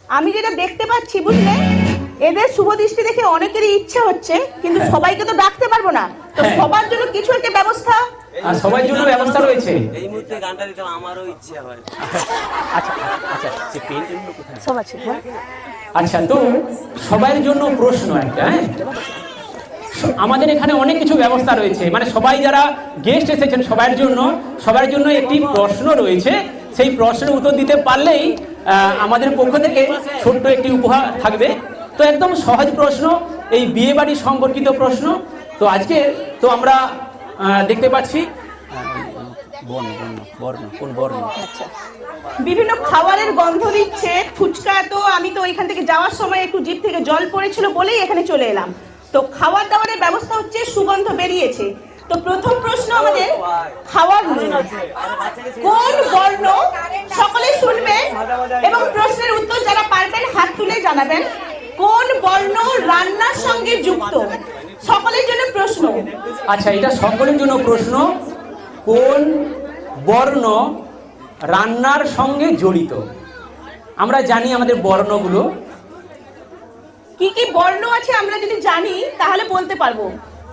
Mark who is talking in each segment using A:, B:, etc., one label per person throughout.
A: আমি যেটা দেখতে পাচ্ছি বুঝলে, এদের শুভ দৃষ্টি দেখে অনেকেরই ইচ্ছে হচ্ছে, কিন্তু সবাইকে তো ডাকতে পারবো না, তো সবার জন্য কিছু একটা ব্যবস্থা।
B: আর সবার জন্য ব্যবস্থা রয়েছে।
C: এই মুহূর্তে গানটা দিতে আমারও ইচ্ছে হয়।
B: আচ্ছা আচ্ছা, সে পেন্টগুলো কোথায়?
A: সব আছে, হ্যাঁ।
B: আচ্ছা, তো সবার জন্য প্রশ্ন একটা, হ্যাঁ, আমাদের এখানে অনেক কিছু ব্যবস্থা রয়েছে, মানে সবাই যারা গেস্ট এসেছেন সবার জন্য একটি প্রশ্ন রয়েছে। সেই প্রশ্নের উত্তর দিতে পারলেই আমাদের পক্ষ থেকে ছোট্ট একটি উপহার থাকবে। তো একদম সহজ প্রশ্ন, এই বিয়ে বাড়ি সম্পর্কিত প্রশ্ন। তো আজকে তো আমরা দেখতে পাচ্ছি
A: বিভিন্ন খাবারের গন্ধ দিচ্ছে, ফুচকা। তো আমি তো এখান থেকে যাওয়ার সময় একটু জিভ থেকে জল পড়েছিল বলেই এখানে চলে এলাম। তো খাবার দাবারের ব্যবস্থা হচ্ছে, সুগন্ধ বেরিয়েছে। তো প্রথম প্রশ্ন আমাদের খাওয়ার নিয়ে, কোন বর্ণ, সকলে শুনবেন এবং প্রশ্নের উত্তর যারা পারবেন হাত তুলে জানাবেন। কোন বর্ণ রান্নার সঙ্গে যুক্ত? সকলের জন্য প্রশ্ন।
B: আচ্ছা, এটা সকলের জন্য প্রশ্ন। কোন বর্ণ রান্নার সঙ্গে জড়িত? আমরা জানি আমাদের বর্ণগুলো
A: কি কি বর্ণ আছে, আমরা যদি জানি তাহলে বলতে পারবো।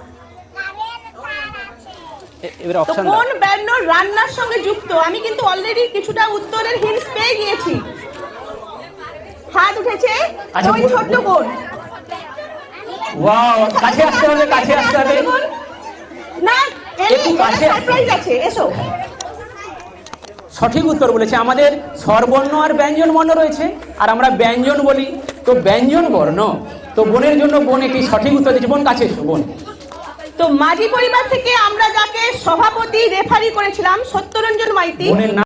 A: তো কোন বর্ণ রান্নার সঙ্গে যুক্ত? আমি কিন্তু অলরেডি কিছুটা উত্তরের হিন্টস পেয়ে গিয়েছি। হাত উঠেছে ওই ছোট্ট বোন।
B: ওয়াও, কাছে আসতে হবে, কাছে আসতে হবে।
A: না,
B: একটু কাছে
A: সারপ্রাইজ আছে, এসো।
B: সঠিক উত্তর বলেছে। আমাদের স্বরবর্ণ আর ব্যঞ্জন বর্ণ রয়েছে, আর আমরা ব্যঞ্জন বলি, তো ব্যঞ্জন বর্ণ। তো বোনের জন্য বোন একটি সঠিক উত্তর দিচ্ছে। বোন কাছে এসো, বোন।
A: তো মাঝি পরিবার থেকে আমরা যাকে সভাপতি রেফারি করেছিলাম, সত্যরঞ্জন মাইতি,
B: বোনের